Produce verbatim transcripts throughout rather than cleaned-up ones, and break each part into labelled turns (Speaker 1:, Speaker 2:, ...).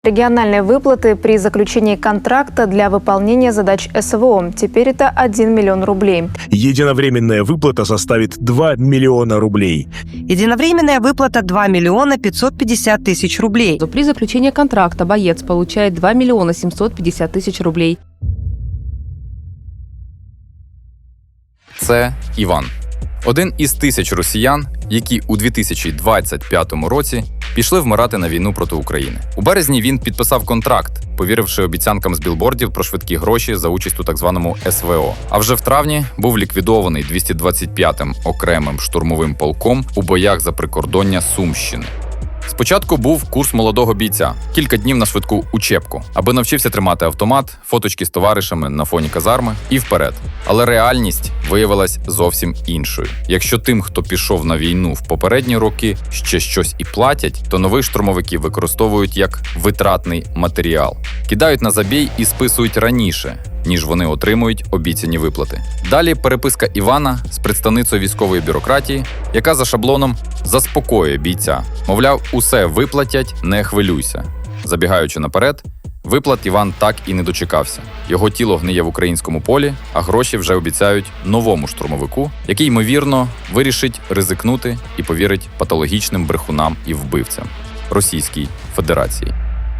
Speaker 1: Региональные выплаты при заключении контракта для выполнения задач СВО. Теперь это один миллион рублей.
Speaker 2: Единовременная выплата составит два миллиона рублей.
Speaker 3: Единовременная выплата два миллиона пятьсот пятьдесят тысяч рублей.
Speaker 4: При заключении контракта боец получает два миллиона семьсот пятьдесят тысяч рублей.
Speaker 5: Це Іван. Один із тисяч росіян, які у дві тисячі двадцять п'ятому році пішли вмирати на війну проти України. У березні він підписав контракт, повіривши обіцянкам з білбордів про швидкі гроші за участь у так званому СВО. А вже в травні був ліквідований двісті двадцять п'ятим окремим штурмовим полком у боях за прикордоння Сумщини. Спочатку був курс молодого бійця, кілька днів на швидку учебку, аби навчився тримати автомат, фоточки з товаришами на фоні казарми і вперед. Але реальність виявилась зовсім іншою. Якщо тим, хто пішов на війну в попередні роки, ще щось і платять, то нових штурмовиків використовують як витратний матеріал. Кидають на забій і списують раніше, ніж вони отримують обіцяні виплати. Далі переписка Івана з представницею військової бюрократії, яка за шаблоном заспокоює бійця. Мовляв, усе виплатять, не хвилюйся. Забігаючи наперед, виплат Іван так і не дочекався. Його тіло гниє в українському полі, а гроші вже обіцяють новому штурмовику, який, ймовірно, вирішить ризикнути і повірить патологічним брехунам і вбивцям Російській Федерації.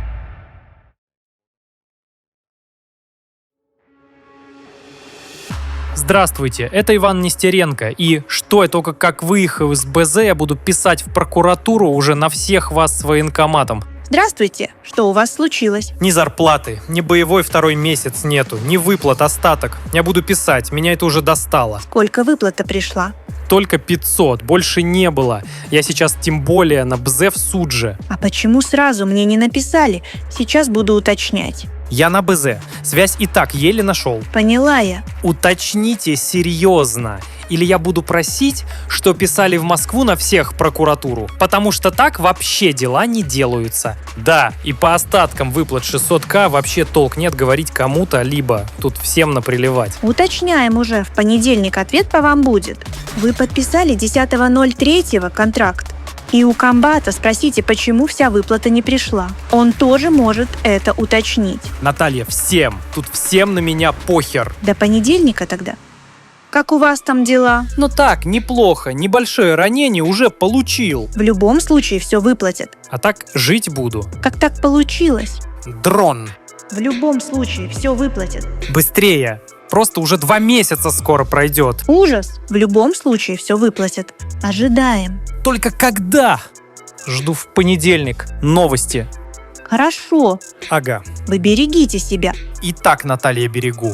Speaker 6: Здравствуйте, это Иван Нестеренко, и что я только как выехал из БЗ, я буду писать в прокуратуру уже на всех вас с военкоматом.
Speaker 7: Здравствуйте, что у вас случилось?
Speaker 6: Ни зарплаты, ни боевой второй месяц нету, ни выплат, остаток. Я буду писать, меня это уже достало.
Speaker 7: Сколько выплата пришла?
Speaker 6: Только пятьсот, больше не было. Я сейчас тем более на БЗ в судже.
Speaker 7: А почему сразу мне не написали? Сейчас буду уточнять.
Speaker 6: Я на БЗ, связь и так еле нашел.
Speaker 7: Поняла я.
Speaker 6: Уточните серьезно, или я буду просить, что писали в Москву на всех прокуратуру, потому что так вообще дела не делаются. Да, и по остаткам выплат шестьсот тысяч вообще толк нет говорить кому-то, либо тут всем наприливать.
Speaker 7: Уточняем уже, в понедельник ответ по вам будет. Вы подписали десятого ноль третьего контракт. И у комбата спросите, почему вся выплата не пришла. Он тоже может это уточнить.
Speaker 6: Наталья, всем, тут всем на меня похер.
Speaker 7: До понедельника тогда. Как у вас там дела?
Speaker 6: Ну так, неплохо, небольшое ранение уже получил.
Speaker 7: В любом случае все выплатят.
Speaker 6: А так жить буду.
Speaker 7: Как так получилось?
Speaker 6: Дрон.
Speaker 7: В любом случае все выплатят.
Speaker 6: Быстрее. Просто уже два месяца скоро пройдет.
Speaker 7: Ужас. В любом случае все выплатят. Ожидаем.
Speaker 6: Только когда? Жду в понедельник. Новости.
Speaker 7: Хорошо.
Speaker 6: Ага.
Speaker 7: Вы берегите себя.
Speaker 6: И так, Наталья, берегу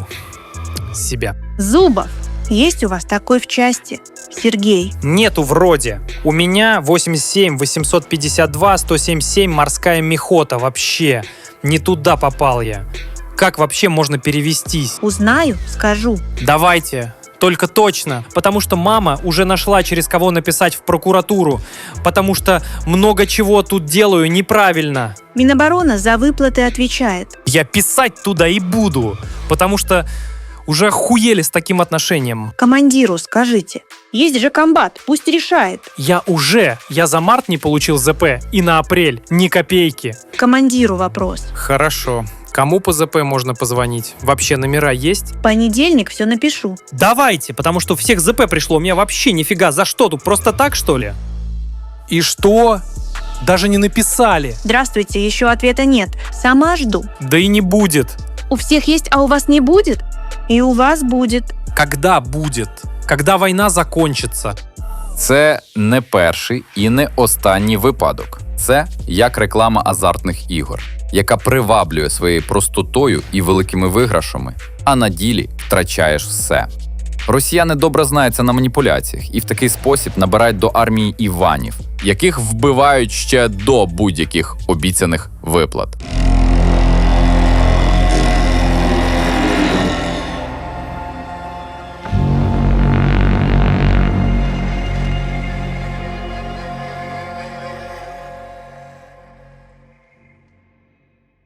Speaker 6: себя.
Speaker 7: Зубов. Есть у вас такой в части? Сергей.
Speaker 6: Нету вроде. У меня восемьдесят семь восемьсот пятьдесят два сто семьдесят семь морская мехота. Вообще. Не туда попал я. Как вообще можно перевестись?
Speaker 7: Узнаю, скажу.
Speaker 6: Давайте. Только точно, потому что мама уже нашла, через кого написать в прокуратуру, потому что много чего тут делаю неправильно.
Speaker 7: Минобороны за выплаты отвечает.
Speaker 6: Я писать туда и буду, потому что уже охуели с таким отношением.
Speaker 7: Командиру скажите. Есть же комбат, пусть решает.
Speaker 6: Я уже, я за март не получил ЗП и на апрель ни копейки.
Speaker 7: Командиру вопрос.
Speaker 6: Хорошо. Кому по ЗП можно позвонить? Вообще номера есть?
Speaker 7: В понедельник все напишу.
Speaker 6: Давайте, потому что у всех ЗП пришло. У меня вообще нифига. За что тут? Просто так, что ли? И что? Даже не написали.
Speaker 7: Здравствуйте, еще ответа нет. Сама жду.
Speaker 6: Да и не будет.
Speaker 7: У всех есть, а у вас не будет? И у вас будет.
Speaker 6: Когда будет? Когда война закончится?
Speaker 5: Це не перший і не останній випадок. Це як реклама азартних ігор, яка приваблює своєю простотою і великими виграшами, а на ділі втрачаєш все. Росіяни добре знаються на маніпуляціях і в такий спосіб набирають до армії Іванів, яких вбивають ще до будь-яких обіцяних виплат.